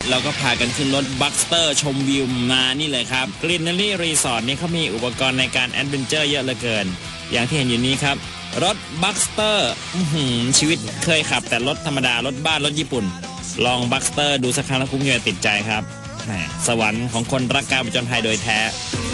เราก็พากันขึ้นรถบัคสเตอร์ชมวิวมานี่เลยครับกรีนเนอรี่รีสอร์ทนี่เขามีอุปกรณ์ในการแอดเวนเจอร์เยอะเหลือเกินอย่างที่เห็นอยู่นี้ครับรถบัคสเตอร์ชีวิตเคยขับแต่รถธรรมดารถบ้านรถญี่ปุ่นลองบัคสเตอร์ดูสักครั้งแล้วคุ้มอยู่ติดใจครับสวรรค์ของคนรักการผจญภัยโดยแท้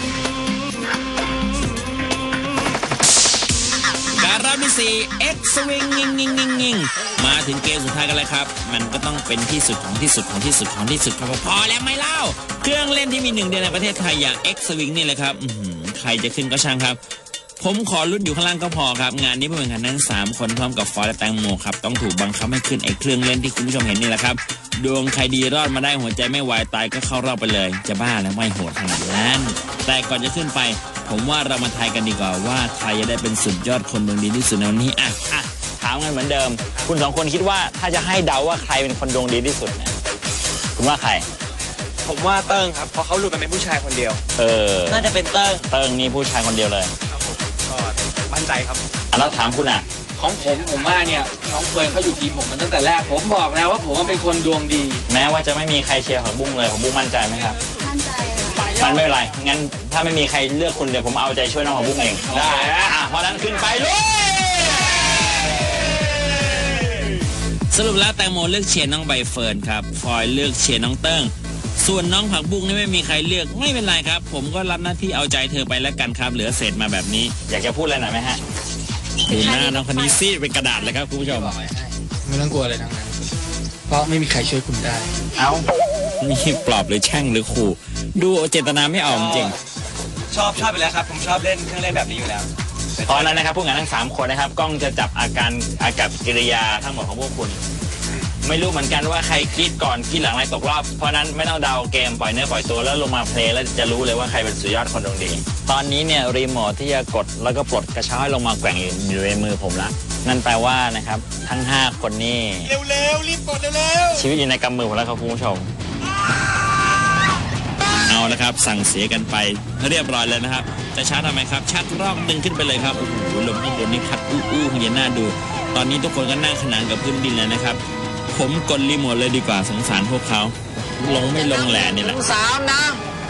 การรอบที่4 X Swing งิงมาถึงเกมสุดท้ายกันเลยครับมันก็ต้องเป็นที่สุดของที่สุดของที่สุดของที่สุดครับพอแล้วไม่เล่าเครื่องเล่นที่มีหนึ่งเดียวในประเทศไทยอย่าง X Swing นี่เลยครับใครจะขึ้นก็ช่างครับผมขอลุ้นอยู่ข้างล่างก็พอครับงานนี้ผู้แข่งขันทั้ง3คนพร้อมกับฟอยและแตงโมครับต้องถูกบังคับให้ขึ้นไอ้เครื่องเล่นที่คุณผู้ชมเห็นนี่แหละครับดวงใครดีรอดมาได้หัวใจไม่วายตายก็เข้ารอบไปเลยจะบ้าแล้วไม่โหดขนาดนั้นแต่ก่อนจะขึ้นไปผมว่าเรามาทายกันดีกว่าว่าใครจะได้เป็นสุดยอดคนดวงดีที่สุดในวันนี้ถามกันเหมือนเดิมคุณ2คนคิดว่าถ้าจะให้เดาว่าใครเป็นคนดวงดีที่สุดเนี่ยคุณว่าใครผมว่าเติ้งครับเพราะเขารู้กันเป็นผู้ชายคนเดียวน่าจะเป็นเติ้งนี่ผู้ชายคนเดียวเลยครับผมก็มั่นใจครับแล้วถามคุณของผมว่าเนี่ยน้องเฟิร์นเขาอยู่ทีมผมมันตั้งแต่แรกผมบอกแล้วว่าผมเป็นคนดวงดีแม้ว่าจะไม่มีใครเชียร์ของบุ้งเลยของบุ้งมั่นใจไหมครับมั่นใจมันไม่เป็นไรงั้นถ้าไม่มีใครเลือกคุณเดี๋ยวผมเอาใจช่วยน้องของบุ้งเองได้เพราะนั้นขึ้นไปเลยสรุปแล้วแตงโมเลือกเชียร์น้องใบเฟิร์นครับฟอยเลือกเชียร์น้องเติ้งส่วนน้องผักบุ้งนี่ไม่มีใครเลือกไม่เป็นไรครับผมก็รับหน้าที่เอาใจเธอไปแล้วกันครับเหลือเศษมาแบบนี้อยากจะพูดอะไรหน่อยไหมฮะดูหน้าน้องคนนี้ซีดเป็นกระดาษเลยครับคุณผู้ชมไม่ต้องกลัวเลยทั้งนั้นเพราะไม่มีใครช่วยคุณได้นี่ปลอบหรือแช่งหรือขู่ดูเจตนาไม่ออกจริงชอบไปแล้วครับผมชอบเล่นเครื่องเล่นแบบนี้อยู่แล้วตอนนั้นนะครับผู้งานทั้ง3คนนะครับกล้องจะจับอากับกิริยาทั้งหมดของพวกคุณไม่รู้เหมือนกันว่าใครคิดก่อนคิดหลังอะไรตกรอบเพราะนั้นไม่ต้องเดาเกมปล่อยเนื้อปล่อยตัวแล้วลงมาเพลย์แล้วจะรู้เลยว่าใครเป็นสุดยอดคนดวงดีตอนนี้เนี่ยรีโมทที่จะกดแล้วก็ปลดกระเช้าให้ลงมาแกว่งอยู่ในมือผมละนั่นแปลว่านะครับทั้ง5คนนี่เร็วรีบกดเร็วชีวิตอยู่ในกำมือผมแล้วครับคุณผู้ชมเอาละครับสั่งเสียกันไปเรียบร้อยแล้วนะครับจะชาร์จทำไมครับชักรอกดึงขึ้นไปเลยครับโอ้โหลมข้างบนนี่พัดอู้ๆเย็นหน้าดูตอนนี้ทุกคนก็นั่งขนานกับพื้นดินเลยนะครับผมกดรีโมทเลยดีกว่าสงสารพวกเขาลงไม่ลงแหล่นี่แหละ 3นะ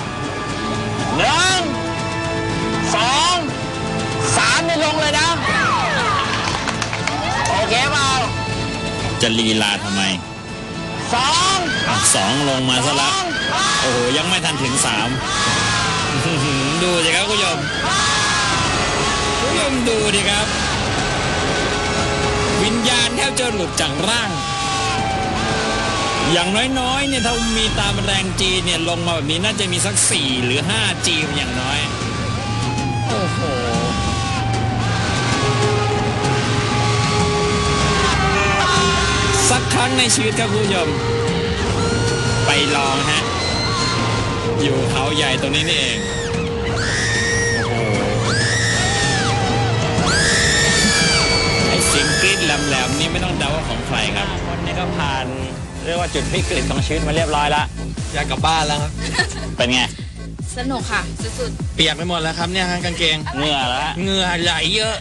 1 2 3นี่ลงเลยนะโอเคเปล่าจะลีลาทำไม2ลงมาซะแล้วโอ้โหยังไม่ทันถึง3ดูสิครับคุณผู้ชมดูดิครับวิญญาณแทบจะหลุดจากร่างอย่างน้อยๆเนี่ยถ้ามีตามแรงจีเนี่ยลงมาแบบนี้น่าจะมีสัก4หรือ5จีอย่างน้อยโอ้โหสักครั้งในชีวิตครับคุณผู้ชมไปลองฮะอยู่เขาใหญ่ตรงนี้นี่เองโอ้โหไอ้เสียงกรี๊ดแหลมๆนี่ไม่ต้องเดาว่าของใครครับคนนี้ก็ผ่านเรียกว่าจุดวิกฤตของชีวิตมาเรียบร้อยแล้วอยากกลับบ้านแล้วครับเป็นไงสนุกค่ะสุดๆเปียกไปหมดแล้วครับเนี่ยกางเกงเหงื่อแล้วเหงื่อไหลเยอะ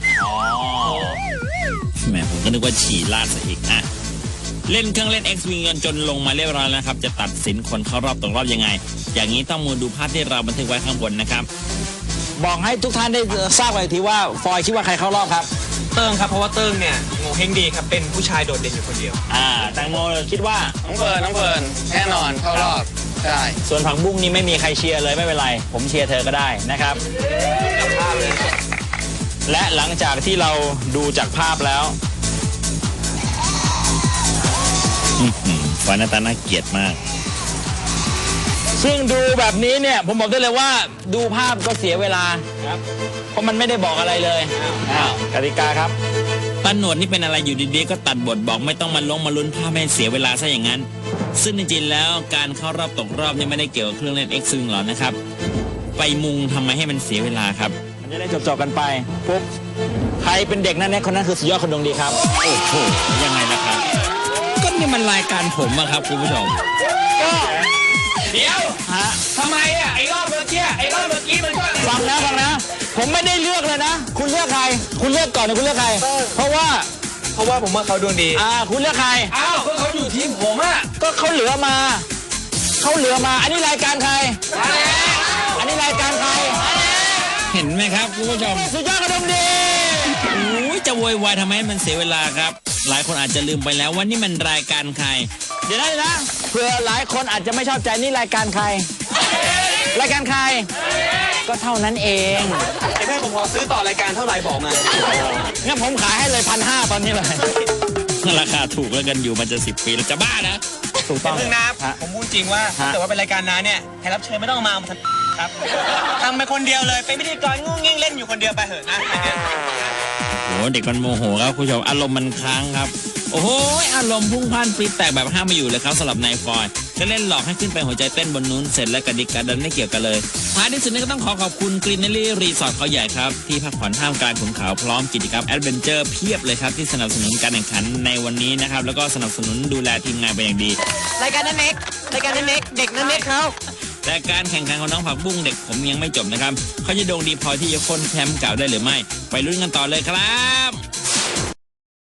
แหมผมก็นึกว่าฉี่ลาดซะอีกเล่นเครื่องเล่น X Wing จนลงมาเรียบร้อยแล้วครับจะตัดสินคนเข้ารอบตกรอบยังไงอย่างนี้ต้องมาดูภาพที่เราบันทึกไว้ข้างบนนะครับบอกให้ทุกท่านได้ทราบกันทีว่าฟอยคิดว่าใครเข้ารอบครับเติ้งครับเพราะว่าเติ้งเนี่ยโง่เฮงดีครับเป็นผู้ชายโดดเด่นอยู่คนเดียวแตงโมคิดว่าน้องเฟิร์นแน่นอนเข้ารอบได้ส่วนผักบุ้งนี่ไม่มีใครเชียร์เลยไม่เป็นไรผมเชียร์เธอก็ได้นะครับและหลังจากที่เราดูจากภาพแล้วฟอยหน้าตาน่าเกลียดมากซึ่งดูแบบนี้เนี่ยผมบอกได้เลยว่าดูภาพก็เสียเวลาครับเพราะมันไม่ได้บอกอะไรเลยกติกาครับป้าหนวดนี่เป็นอะไรอยู่ดีๆก็ตัดบทบอกไม่ต้องมาลุ้นภาพให้เสียเวลาซะอย่างนั้นซึ่งจริงๆแล้วการเข้ารอบตกรอบนี่ไม่ได้เกี่ยวกับเครื่องเล่น X Wing หรอกนะครับไปมุงทำไมให้มันเสียเวลาครับมันจะได้จบกันไปปุ๊บใครเป็นเด็กนั่นเนี่ยคนนั้นคือสุดยอดคนดวงดีครับโอ้โหยังไงนะครับก็นี่มันรายการผมอะครับคุณผู้ชมก็เดี๋ยวทำไมไอ้รอบเมื่อกี้มันก็ฟังนะผมไม่ได้เลือกเลยนะคุณเลือกใครคุณเลือกก่อนนะคุณเลือกใครเพราะว่าผมว่าเขาดวงดีคุณเลือกใครอ้าวก็เขาอยู่ทีมผมก็เขาเหลือมาเขาเหลือมาอันนี้รายการใครอันนี้รายการใครเห็นไหมครับคุณผู้ชมสุดยอดกระดุมดีโอ้ยจะโวยวายทำไมให้มันเสียเวลาครับ หลายคนอาจจะลืมไปแล้วว่านี่มันรายการใครเดี๋ยวนะเผื่อหลายคนอาจจะไม่ชอบใจนี่รายการใคร รายการใคร ก็เท่านั้นเองไอ้แม่ผมขอซื้อต่อรายการเท่าไหร่บอกมางั้นผมขายให้เลย1,500ตอนนี้เลยราคาถูกแล้วกันอยู่มันจะ10 ปีแล้วจะบ้านะถูกต้องเพิ่งนะครับฮะผมพูดจริงว่าถ้าเกิดว่าเป็นรายการน้าเนี่ยแขกรับเชิญไม่ต้องมาทำครับทำไปคนเดียวเลยเป็นพิธีกรงงงิ่งเล่นอยู่คนเดียวไปเถอะนะอันเนี้ยโอ้เด็กมันโมโหครับคุณผู้ชมอารมณ์มันค้างครับ โอ้โหอารมณ์พุ่งพล่านปรี๊ดแตกแบบห้ามไม่อยู่เลยครับสำหรับนายฟอยจะเล่นหลอกให้ขึ้นไปหัวใจเต้นบนนู้นเสร็จแล้วกระดิกกระดันไม่เกี่ยวกันเลยท้ายที่สุดนี้ก็ต้องขอบคุณกรีนเนลลี่รีสอร์ทเขาใหญ่ครับที่พักผ่อนท่ามกลางขุนเขาพร้อมกิจกรรมแอดเวนเจอร์เพียบเลยครับที่สนับสนุนการแข่งขันในวันนี้นะครับแล้วก็สนับสนุนดูแลทีมงานเป็นอย่างดีรายการนั้นเน็กรายการนั้นเน็กเด็กนั้นเน็กเขาแต่การแข่งขันของน้องผักบุ้งเด็กผมยังไม่จบนะครับเขาจะโด่งดีพอที่จะค้นแชมป์เก่าได้หรือไม่ไปลุ้นกันต่อเลยครับ